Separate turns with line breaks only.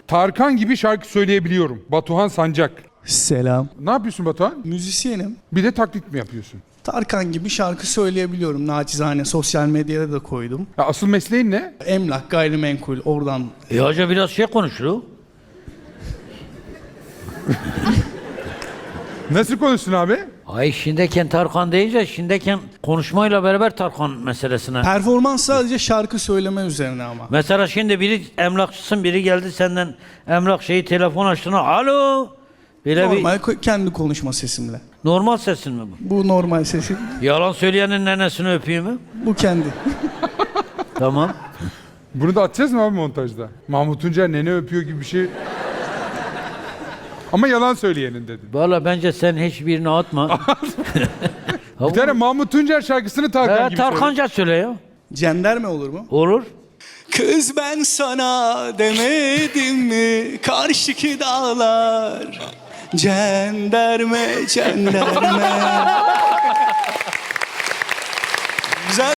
Tarkan gibi şarkı söyleyebiliyorum. Batuhan Sancak.
Selam.
Ne yapıyorsun Batuhan?
Müzisyenim.
Bir de taklit mi yapıyorsun?
Tarkan gibi şarkı söyleyebiliyorum. Naçizane sosyal medyada da koydum.
Ya asıl mesleğin ne?
Emlak, gayrimenkul oradan.
Hoca biraz şey konuştu.
Nasıl konuşsun abi?
Ay şimdiyken Tarkan deyince şimdiyken konuşmayla beraber Tarkan meselesine.
Performans sadece şarkı söyleme üzerine ama.
Mesela şimdi biri emlakçısın, biri geldi senden emlak şeyi telefon açtığına alo. Böyle
Normal kendi konuşma sesimle.
normal sesin mi bu?
Bu normal sesim.
Yalan söyleyenin nenesini öpeyim mi?
Bu kendi.
Tamam.
Bunu da atacağız mı abi montajda? Mahmut Tuncer nene öpüyor gibi bir şey. Ama yalan söyleyenin dedi.
Valla bence sen hiçbirini atma.
Bir tane Mahmut Tuncer şarkısını Tarkan gibi söyle.
Tarkanca söyle ya.
Cenderme olur mu?
Olur.
Kız ben sana demedim mi karşıki dağlar. Cenderme, cenderme.